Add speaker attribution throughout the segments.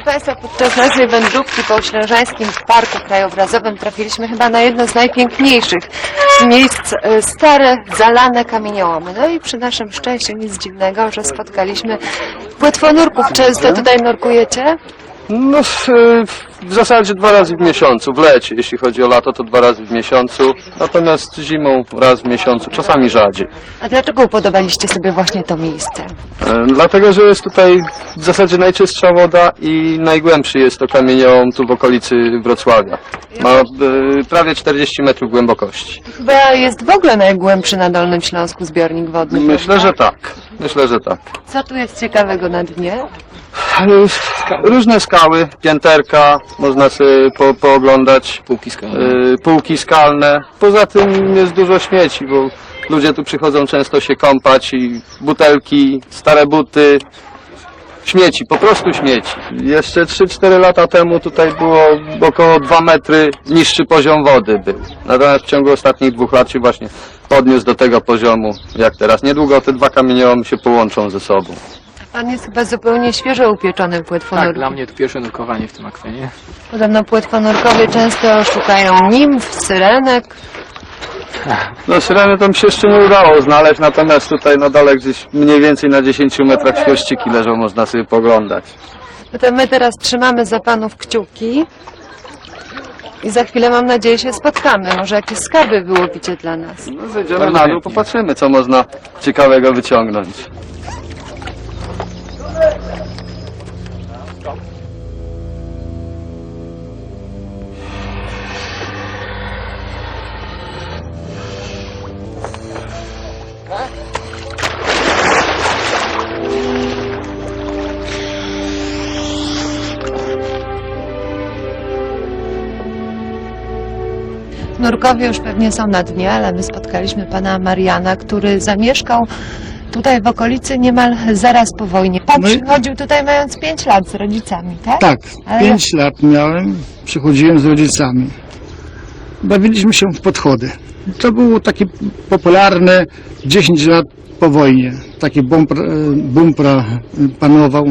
Speaker 1: Państwa, podczas naszej wędrówki po Ślężańskim Parku Krajobrazowym trafiliśmy chyba na jedno z najpiękniejszych miejsc, stare, zalane kamieniołomy. No i przy naszym szczęściu nic dziwnego, że spotkaliśmy płetwonurków. Często tutaj nurkujecie?
Speaker 2: No w zasadzie 2 razy w miesiącu, w lecie. Jeśli chodzi o lato, to 2 razy w miesiącu, natomiast zimą raz w miesiącu, czasami rzadziej.
Speaker 1: A dlaczego upodobaliście sobie właśnie to miejsce?
Speaker 2: Dlatego, że jest tutaj w zasadzie najczystsza woda i najgłębszy jest to kamieniołom tu w okolicy Wrocławia. Ma prawie 40 metrów głębokości.
Speaker 1: Chyba jest w ogóle najgłębszy na Dolnym Śląsku zbiornik wodny.
Speaker 2: Myślę,
Speaker 1: prawda?
Speaker 2: że tak. Myślę, że tak.
Speaker 1: Co tu jest ciekawego na dnie?
Speaker 2: Różne skały, pięterka, można sobie pooglądać. Półki skalne. Poza tym jest dużo śmieci, bo ludzie tu przychodzą często się kąpać i butelki, stare buty, śmieci, po prostu śmieci. Jeszcze 3-4 lata temu tutaj było około 2 metry niższy poziom wody był. Natomiast w ciągu ostatnich 2 lat się właśnie podniósł do tego poziomu jak teraz. Niedługo te 2 kamieniołomy się połączą ze sobą.
Speaker 1: Pan jest chyba zupełnie świeżo upieczonym płetwonurkiem.
Speaker 3: Tak, dla mnie to pierwsze nurkowanie w tym akwenie.
Speaker 1: Podobno płetwonurkowie często szukają nimf, syrenek.
Speaker 2: No syreny to mi się jeszcze nie udało znaleźć, natomiast tutaj na dole gdzieś mniej więcej na 10 metrach świerszczyki leżą, można sobie poglądać.
Speaker 1: No to my teraz trzymamy za panów kciuki i za chwilę, mam nadzieję, się spotkamy. Może jakieś skarby wyłowicie dla nas.
Speaker 2: No zejdziemy na dół, popatrzymy co można ciekawego wyciągnąć.
Speaker 1: Nurkowie już pewnie są na dnie, ale my spotkaliśmy pana Mariana, który zamieszkał tutaj w okolicy niemal zaraz po wojnie. Pan przychodził tutaj mając 5 lat z rodzicami, tak?
Speaker 4: Tak,
Speaker 1: Ale
Speaker 4: 5 lat miałem, przychodziłem z rodzicami. Bawiliśmy się w podchody. To było takie popularne 10 lat po wojnie. Taki bumpra panował.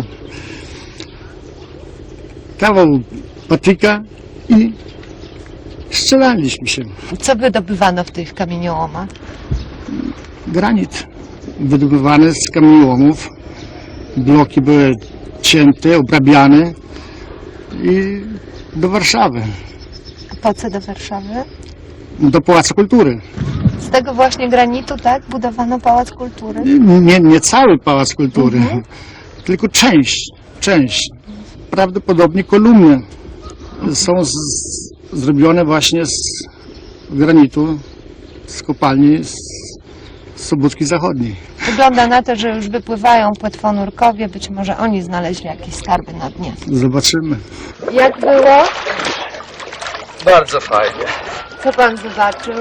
Speaker 4: Kawał patyka i strzelaliśmy się.
Speaker 1: Co wydobywano w tych kamieniołomach?
Speaker 4: Granit wydobywany z kamieniołomów. Bloki były cięte, obrabiane i do Warszawy,
Speaker 1: Po co do Warszawy?
Speaker 4: do Pałacu Kultury.
Speaker 1: Z tego właśnie granitu, tak? Budowano Pałac Kultury.
Speaker 4: Nie cały Pałac Kultury, tylko część. Prawdopodobnie kolumny są zrobione właśnie z granitu, z kopalni z Sobótki Zachodniej.
Speaker 1: Wygląda na to, że już wypływają płetwonurkowie. Być może oni znaleźli jakieś skarby na dnie.
Speaker 4: Zobaczymy.
Speaker 1: Jak było?
Speaker 2: Bardzo fajnie.
Speaker 1: Co pan zobaczył?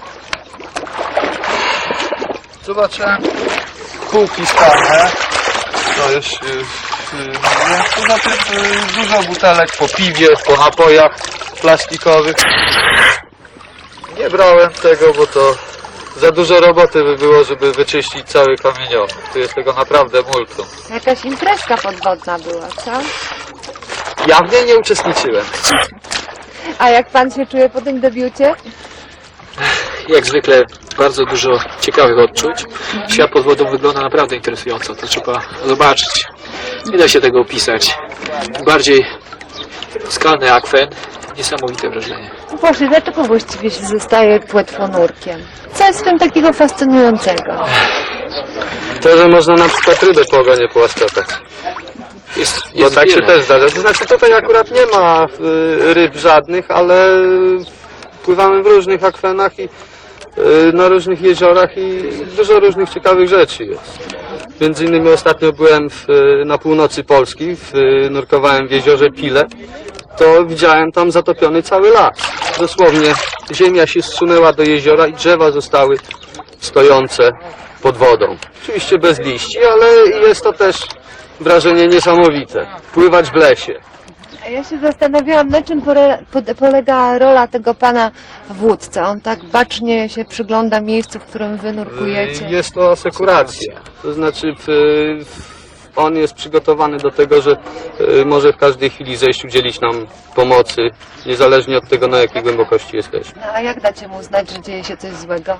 Speaker 2: Zobaczyłem półki skalne. To jest poza tym dużo butelek po piwie, po napojach plastikowych. Nie brałem tego, bo to za dużo roboty by było, żeby wyczyścić cały kamieniołom. Tu jest tego naprawdę multum.
Speaker 1: Jakaś imprezka podwodna była, co?
Speaker 2: Ja w niej nie uczestniczyłem.
Speaker 1: A jak pan się czuje po tym debiucie?
Speaker 3: Jak zwykle bardzo dużo ciekawych odczuć. Świat pod wodą wygląda naprawdę interesująco, to trzeba zobaczyć. Nie da się tego opisać. Tym bardziej skalny akwen, niesamowite wrażenie.
Speaker 1: Boże, dlaczego właściwie się zostaje płetwonurkiem? Co jest w tym takiego fascynującego?
Speaker 2: To, że można na przykład rybę po ogonie połaskotać. Bo tak się
Speaker 3: wiele.
Speaker 2: też zdarza. To znaczy tutaj akurat nie ma ryb żadnych, ale pływamy w różnych akwenach i na różnych jeziorach i dużo różnych ciekawych rzeczy jest. Między innymi ostatnio byłem na północy Polski, nurkowałem w jeziorze Pile, to widziałem tam zatopiony cały las. Dosłownie ziemia się zsunęła do jeziora i drzewa zostały stojące pod wodą. Oczywiście bez liści, ale jest to też wrażenie niesamowite. Pływać w lesie.
Speaker 1: A ja się zastanawiałam, na czym polega rola tego pana w łódce. On tak bacznie się przygląda miejscu, w którym wy nurkujecie.
Speaker 2: Jest to asekuracja. To znaczy on jest przygotowany do tego, że może w każdej chwili zejść, udzielić nam pomocy, niezależnie od tego, na jakiej głębokości jesteśmy.
Speaker 1: No, a jak dacie mu znać, że dzieje się coś złego?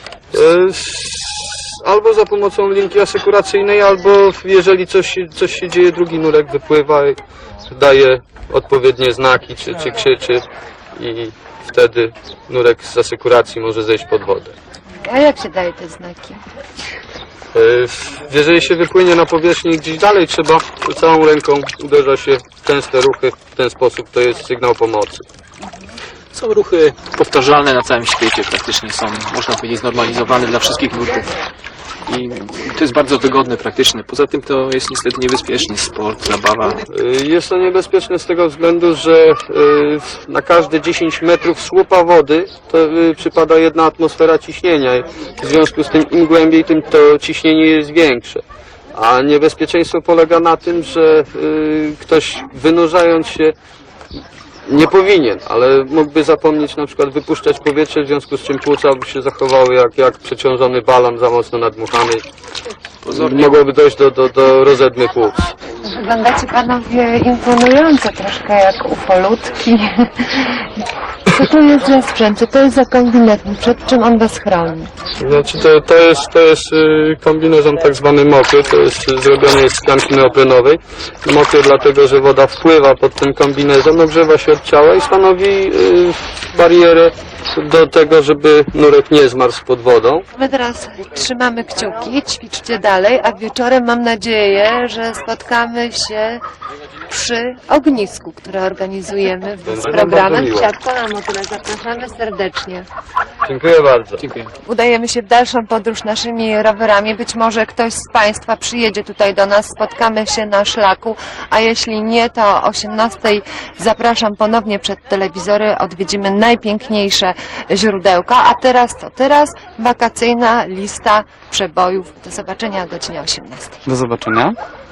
Speaker 2: Albo za pomocą linki asekuracyjnej, albo jeżeli coś się dzieje, drugi nurek wypływa i daje odpowiednie znaki, czy krzyczy i wtedy nurek z asekuracji może zejść pod wodę.
Speaker 1: A jak się daje te znaki?
Speaker 2: Jeżeli się wypłynie na powierzchnię i gdzieś dalej, trzeba całą ręką uderza się w częste ruchy, w ten sposób to jest sygnał pomocy.
Speaker 3: Są ruchy powtarzalne na całym świecie, praktycznie są, można powiedzieć, znormalizowane dla wszystkich nurków. I to jest bardzo wygodne, praktyczne. Poza tym to jest niestety niebezpieczny sport, zabawa.
Speaker 2: Jest to niebezpieczne z tego względu, że na każde 10 metrów słupa wody to przypada 1 atmosfera ciśnienia. W związku z tym im głębiej, tym to ciśnienie jest większe. A niebezpieczeństwo polega na tym, że ktoś wynurzając się nie powinien, ale mógłby zapomnieć na przykład wypuszczać powietrze, w związku z czym płuca by się zachowały jak przeciążony balon za mocno nadmuchany. Mogłoby dojść do rozedmy płuc.
Speaker 1: Wyglądacie panowie imponująco, troszkę jak ufolutki. Co to jest za sprzęt? Co to jest za kombinezon? Przed czym on was chroni?
Speaker 2: Znaczy to jest kombinezon tak zwany mokry, to jest zrobiony z tkanki neoprenowej. Mokry dlatego, że woda wpływa pod ten kombinezon, ogrzewa się od ciała i stanowi barierę do tego, żeby nurek nie zmarzł pod wodą.
Speaker 1: My teraz trzymamy kciuki, ćwiczcie dalej, a wieczorem mam nadzieję, że spotkamy się przy ognisku, które organizujemy z
Speaker 2: Będzie nam
Speaker 1: programem
Speaker 2: bardzo miło.
Speaker 1: Siatka na motyle. Zapraszamy serdecznie.
Speaker 2: Dziękuję bardzo.
Speaker 3: Dziękuję.
Speaker 1: Udajemy się w dalszą podróż naszymi rowerami. Być może ktoś z Państwa przyjedzie tutaj do nas, spotkamy się na szlaku, a jeśli nie, to o 18:00 zapraszam ponownie przed telewizory, odwiedzimy najpiękniejsze źródełka. A teraz co? Teraz wakacyjna lista przebojów. Do zobaczenia o godzinie 18:00.
Speaker 5: Do zobaczenia.